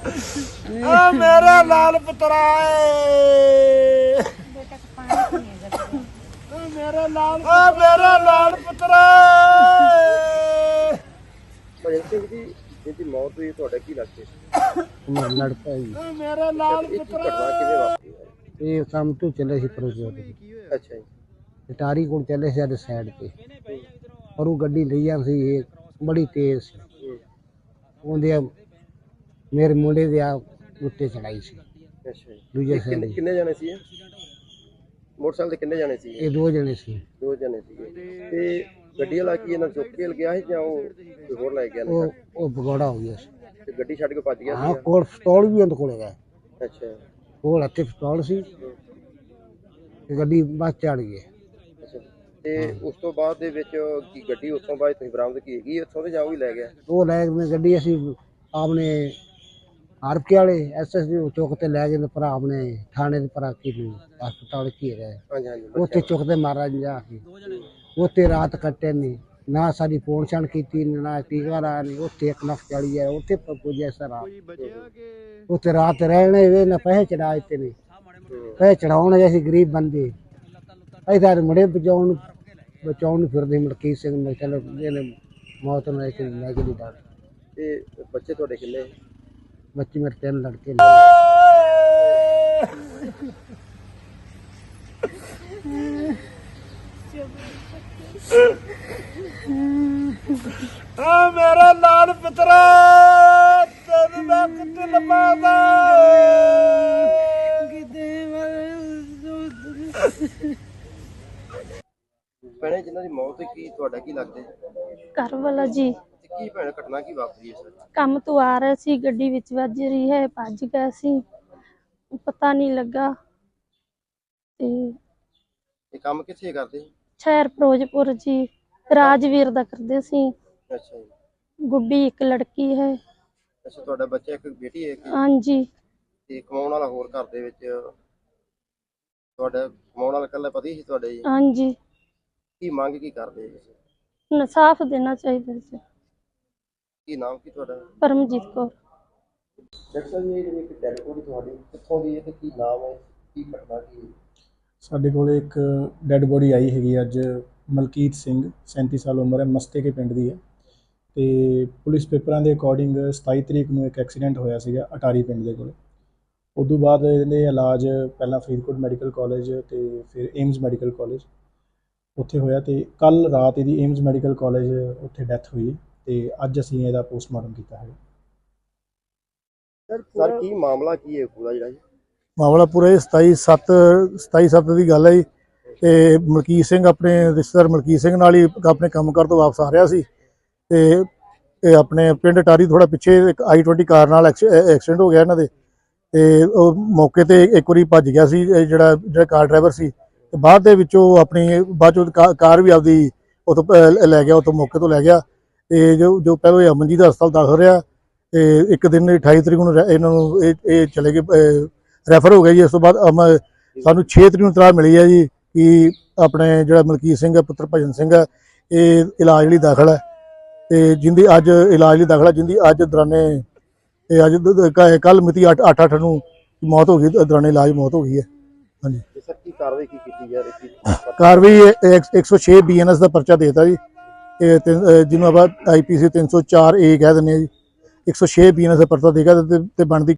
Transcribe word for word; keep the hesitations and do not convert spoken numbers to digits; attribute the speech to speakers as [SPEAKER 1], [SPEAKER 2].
[SPEAKER 1] आ मेरा लाल पुत्रा मेरा लाल आ मेरा लाल पुत्रा
[SPEAKER 2] ਭਜਨ ਸਿੰਘ ਜੀ ਜਿਹਦੀ ਮੌਤ ਹੋਈ ਤੁਹਾਡਾ ਕੀ ਲੱਗਦਾ
[SPEAKER 3] ਮੇਰਾ ਲੜਕਾ ਜੀ
[SPEAKER 1] मेरा लाल
[SPEAKER 2] ਇਹ ਕੀ
[SPEAKER 1] पुत्रा
[SPEAKER 2] ਘਟਨਾ ਕਿਵੇਂ ਵਾਪਰੀ ਹੈ?
[SPEAKER 3] ਇਹ ਕੰਮ ਤੋਂ ਚੱਲੇ ਸੀ ਪਰੋਜੋ ਤੇ
[SPEAKER 2] ਅੱਛਾ ਜੀ
[SPEAKER 3] ਟਾਰੀ ਕੋਲ ਚੱਲੇ ਸੀ ਅੱਜ ਸਾਈਡ ਤੇ ਪਰ ਉਹ ਗੱਡੀ ਲਈ ਜਾਂ ਸੀ ਇਹ ਬੜੀ ਤੇਜ਼ ਸੀ
[SPEAKER 2] ਹੂੰ,
[SPEAKER 3] ਉਹਦੇ ਮੇਰੇ ਮੁੰਡੇ ਦੇ ਆ ਉੱਤੇ ਚੜਾਈ ਸੀ
[SPEAKER 2] ਅੱਛਾ ਜੀ
[SPEAKER 3] ਦੂਜੇ
[SPEAKER 2] ਇਹ ਕਿੰਨੇ
[SPEAKER 3] ਸਾਈਡ
[SPEAKER 2] ਕਿੰਨੇ ਜਾਣੇ ਸੀ ਇਹ? ਮੋਟਰਸਾਈਕਲ ਤੇ ਕਿੰਨੇ ਜਾਣੇ ਸੀ
[SPEAKER 3] ਇਹ ਦੋ ਜਣੇ ਸੀ
[SPEAKER 2] ਦੋ ਜਣੇ ਸੀਗੇ ਤੇ ਗੱਡੀ ਵਾਲਾ ਕੀ ਇਹਨਾਂ ਚੁੱਕ ਕੇ ਗਿਆ ਸੀ ਜਾਂ ਉਹ ਕੋਈ ਹੋਰ ਲੈ ਗਿਆ
[SPEAKER 3] ਉਹ
[SPEAKER 2] ਨੇ
[SPEAKER 3] ਉਹ ਭਗੌੜਾ ਹੋ ਗਿਆ ਸੀ
[SPEAKER 2] ਤੇ ਗੱਡੀ ਛੱਡ ਕੇ ਭੱਜ ਗਿਆ
[SPEAKER 3] ਹਾਂ
[SPEAKER 2] ਸੀ
[SPEAKER 3] ਕੋਲ ਪਿਸਤੌਲ ਵੀ ਉਹਦੇ ਕੋਲ ਹੈਗਾ
[SPEAKER 2] ਅੱਛਾ
[SPEAKER 3] ਕੋਲ ਹੱਥੇ ਪਿਸਤੌਲ ਸੀ ਤੇ ਗੱਡੀ ਬਸ ਚੜ ਗਈ
[SPEAKER 2] ਅੱਛਾ ਤੇ ਉਸ ਤੋਂ ਬਾਅਦ ਦੇ ਵਿੱਚ ਕੀ ਗੱਡੀ ਉੱਥੋਂ ਬਾਅਦ ਤੁਸੀਂ ਬਰਾਮਦ ਕੀ ਹੈਗੀ ਉੱਥੋਂ ਤੇ ਜਾਂ ਉਹ ਹੀ ਲੈ ਗਿਆ
[SPEAKER 3] ਉਹ ਲੈ ਕੇ ਗੱਡੀ ਅਸੀਂ ਆਪਣੇ ਆਰਪਕੇ ਵਾਲੇ ਐਸਐਸਡੀ ਚੌਕ ਤੇ ਲੈ ਗਏ ਪਰ ਆਪਣੇ ਥਾਣੇ ਦੇ ਪਰ ਕੀ ਹਸਪਤਾਲ ਕੀ ਰਹੇ
[SPEAKER 2] ਹਾਂਜੀ ਹਾਂਜੀ
[SPEAKER 3] ਉੱਥੇ ਚੁੱਕਦੇ ਮਾਰਾ ਜਾ ਕੇ ਉੱਥੇ ਰਾਤ ਕੱਟੇ ਨਹੀਂ ਨਾ ਸਾਡੀ ਪਹੁੰਚਣ ਕੀਤੀ ਨਾ ਟੀਕਾ ਲਾ ਨਹੀਂ ਉੱਥੇ ਇੱਕ ਲੱਖ ਚਾਲੀ ਹੈ ਉੱਥੇ ਪੁੱਜਿਆ ਸਰ ਉੱਥੇ ਰਾਤ ਰਹਿਣੇ ਵੇ ਨਾ ਪੈਸੇ ਚੜਾ ਦਿੱਤੇ ਨੇ ਪੈਸੇ ਚੜਾਉਣ ਅਸੀਂ ਗਰੀਬ ਬੰਦੇ ਅਸੀਂ ਤਾਂ ਮੁੰਡੇ ਬਚਾਉਣ ਬਚਾਉਣ ਨੂੰ ਫਿਰਦੇ ਮਲਕੀਤ ਸਿੰਘ ਨੇ ਚਲੋ ਇਹਨੇ ਮੌਤ ਨੂੰ ਇੱਕ ਲੈ ਕੇ ਦਿੱਤਾ
[SPEAKER 2] ਤੇ ਬੱਚੇ ਤੁਹਾਡੇ ਕਿੰਨੇ
[SPEAKER 3] ਬੱਚੇ ਮੇਰੇ ਤਿੰਨ ਲੜਕੇ ਨੇ
[SPEAKER 1] आ मेरा लाल पुत्रा तेन मैं कितने लंबा
[SPEAKER 2] ਭੈਣੇ ਜਿਨ੍ਹਾਂ ਦੀ ਮੌਤ ਹੋਈ ਕੀ ਤੁਹਾਡਾ ਕੀ ਲੱਗਦਾ
[SPEAKER 4] ਘਰ ਵਾਲਾ ਜੀ
[SPEAKER 2] ਤੇ ਕੀ ਭੈਣ ਘਟਨਾ ਕੀ ਵਾਪਰੀ ਹੈ ਸਰ
[SPEAKER 4] ਕੰਮ ਤੋਂ ਆ ਰਿਹਾ ਸੀ ਗੱਡੀ ਵਿੱਚ ਵੱਜ ਰਹੀ ਹੈ ਭੱਜ ਗਿਆ ਸੀ ਪਤਾ ਨਹੀਂ ਲੱਗਾ ਤੇ
[SPEAKER 2] ਇਹ ਕੰਮ ਕਿੱਥੇ ਕਰਦੇ
[SPEAKER 4] ਸ਼ਹਿਰ ਫਿਰੋਜ਼ਪੁਰ ਜੀ ਰਾਜਵੀਰ ਦਾ ਕਰਦੇ ਸੀ
[SPEAKER 2] ਅੱਛਾ ਜੀ
[SPEAKER 4] ਗੁੱਡੀ ਇੱਕ ਲੜਕੀ ਹੈ
[SPEAKER 2] ਅੱਛਾ ਤੁਹਾਡਾ ਬੱਚਾ ਇੱਕ ਬੇਟੀ ਹੈ ਇੱਕ
[SPEAKER 4] ਹਾਂਜੀ
[SPEAKER 2] ਤੇ ਕਮਾਉਣ ਵਾਲਾ ਹੋਰ ਘਰ ਦੇ ਵਿੱਚ ਤੁਹਾਡਾ ਕਮਾਉਣ ਵਾਲਾ ਇਕੱਲਾ ਪਤੀ ਸੀ ਤੁਹਾਡੇ ਜੀ
[SPEAKER 4] ਹਾਂਜੀ
[SPEAKER 2] ਕੀ ਮੰਗ ਕੀ ਕਰਦੇ ਜੀ
[SPEAKER 4] ਇਨਸਾਫ ਦੇਣਾ ਚਾਹੀਦਾ ਸੀ
[SPEAKER 2] ਕੀ ਨਾਮ ਕੀ ਤੁਹਾਡਾ
[SPEAKER 4] ਪਰਮਜੀਤ ਕੌਰ
[SPEAKER 2] ਡਾਕਟਰ ਸਾਹਿਬ ਇਹ ਜਿਹੜੀ ਇੱਕ ਡੈਡ ਬੋਡੀ ਤੁਹਾਡੀ ਕਿੱਥੋਂ ਦੀ ਹੈ ਤੇ ਕੀ ਨਾਮ ਹੈ ਕੀ ਘਟਨਾ ਕੀ ਹੈ
[SPEAKER 5] ਸਾਡੇ ਕੋਲ ਇੱਕ ਡੈੱਡ ਬੋਡੀ ਆਈ ਹੈਗੀ ਅੱਜ ਮਲਕੀਤ ਸਿੰਘ ਸੈਂਤੀ ਸਾਲ ਉਮਰ ਹੈ ਮਸਤੇ ਕੇ ਪਿੰਡ ਦੀ ਹੈ ਤੇ ਪੁਲਿਸ ਪੇਪਰਾਂ ਦੇ ਅਕੋਰਡਿੰਗ ਸਤਾਈ ਤਰੀਕ ਨੂੰ ਇੱਕ ਐਕਸੀਡੈਂਟ ਹੋਇਆ ਸੀਗਾ ਅਟਾਰੀ ਪਿੰਡ ਦੇ ਕੋਲ ਉਦੋਂ ਬਾਅਦ ਇਹਦੇ ਇਲਾਜ ਪਹਿਲਾਂ ਫਰੀਦਕੋਟ ਮੈਡੀਕਲ ਕਾਲਜ ਤੇ ਫਿਰ ਏਮਜ਼ ਮੈਡੀਕਲ ਕਾਲਜ ਉੱਥੇ ਹੋਇਆ ਤੇ ਕੱਲ ਰਾਤ ਇਹਦੀ ਏਮਜ਼ ਮੈਡੀਕਲ ਕਾਲਜ ਉੱਥੇ ਡੈਥ ਹੋਈ ਤੇ ਅੱਜ ਅਸੀਂ ਇਹਦਾ ਪੋਸਟਮਾਰਟਮ ਕੀਤਾ ਹੈ
[SPEAKER 2] ਸਰ ਕੀ ਮਾਮਲਾ ਕੀ ਹੈ ਪੂਰਾ ਜਿਹੜਾ ਜੀ
[SPEAKER 6] ਮਾਮਲਾ ਪੂਰਾ ਸਤਾਈ ਸੱਤ ਸਤਾਈ ਸੱਤ ਦੀ ਗੱਲ ਹੈ ਜੀ ਤੇ ਮਲਕੀਤ ਸਿੰਘ ਆਪਣੇ ਰਿਸ਼ਤੇਦਾਰ ਮਲਕੀਤ ਸਿੰਘ ਨਾਲ ਹੀ ਆਪਣੇ ਕੰਮ ਕਰ ਤੋਂ ਵਾਪਸ ਆ ਰਿਹਾ ਸੀ ਤੇ ਇਹ ਆਪਣੇ ਪਿੰਡ ਟਾਰੀ ਥੋੜਾ ਪਿੱਛੇ ਇੱਕ ਆਈ ਟਵੰਟੀ ਕਾਰ ਨਾਲ ਐਕਸੀਡੈਂਟ ਹੋ ਗਿਆ ਇਹਨਾਂ ਦੇ ਤੇ ਉਹ ਮੌਕੇ ਤੇ ਇੱਕ ਵਾਰੀ ਭੱਜ ਗਿਆ ਸੀ ਜਿਹੜਾ ਜਿਹੜਾ ਕਾਰ ਡਰਾਈਵਰ ਸੀ ਤੇ ਬਾਅਦ ਦੇ ਵਿੱਚੋਂ ਆਪਣੀ ਬਾਅਦ ਚੋਂ ਕਾਰ ਵੀ ਆਪਦੀ ਉੱਥੋਂ ਲੈ ਗਿਆ ਉੱਥੋਂ ਮੌਕੇ ਤੋਂ ਲੈ ਗਿਆ ਤੇ ਜੋ ਜੋ ਪਹਿਲਾਂ ਇਹ ਅਮਨਜੀਤ ਹਸਪਤਾਲ ਦਾਖਲ ਰਿਹਾ ਤੇ ਇੱਕ ਦਿਨ ਅਠਾਈ ਤਰੀਕ ਨੂੰ ਇਹਨਾਂ ਨੂੰ ਇਹ ਇਹ ਚਲੇ ਗਏ ਰੈਫਰ ਹੋ ਗਿਆ ਜੀ। ਇਸ ਤੋਂ ਬਾਅਦ ਸਾਨੂੰ ਛੇ ਤਰੀਕ ਨੂੰ ਇਤਲਾਹ ਮਿਲੀ ਹੈ ਜੀ ਕਿ ਆਪਣੇ ਜਿਹੜਾ ਮਲਕੀਤ ਸਿੰਘ ਹੈ ਪੁੱਤਰ ਭਜਨ ਸਿੰਘ ਹੈ ਇਹ ਇਲਾਜ ਲਈ ਦਾਖਲ ਹੈ ਤੇ ਜਿੰਦੀ ਅੱਜ ਇਲਾਜ ਲਈ ਦਾਖਲ ਹੈ ਜਿੰਦੀ ਅੱਜ ਦੌਰਾਨੇ ਇਹ ਅੱਜ ਕੱਲ ਮਿਤੀ ਅੱਠ ਅੱਠ ਨੂੰ ਮੌਤ ਹੋ ਗਈ ਦੌਰਾਨੇ ਇਲਾਜ ਮੌਤ ਹੋ ਗਈ ਹੈ। ਹਾਂਜੀ
[SPEAKER 2] ਸਰ ਕੀ ਕਾਰਵਾਈ ਕੀ ਕੀਤੀ ਜਾ ਰਹੀ ਹੈ
[SPEAKER 6] ਕਾਰਵਾਈ ਇੱਕ ਸੌ ਛੇ ਬੀ ਐਨ ਐਸ ਦਾ ਪਰਚਾ ਦੇਤਾ ਜੀ ਇਹ ਜਿਹਨੂੰ ਆਪਾਂ ਆਈ ਪੀ ਸੀ ਤਿੰਨ ਸੌ ਚਾਰ ਏ ਕਹਿ ਦਿੰਦੇ ਹਾਂ ਜੀ ਇੱਕ ਸੌ ਛੇ ਬੀ ਐਨ ਐਸ ਦਾ ਪਰਚਾ ਦੇਗਾ ਤੇ ਬਣਦੀ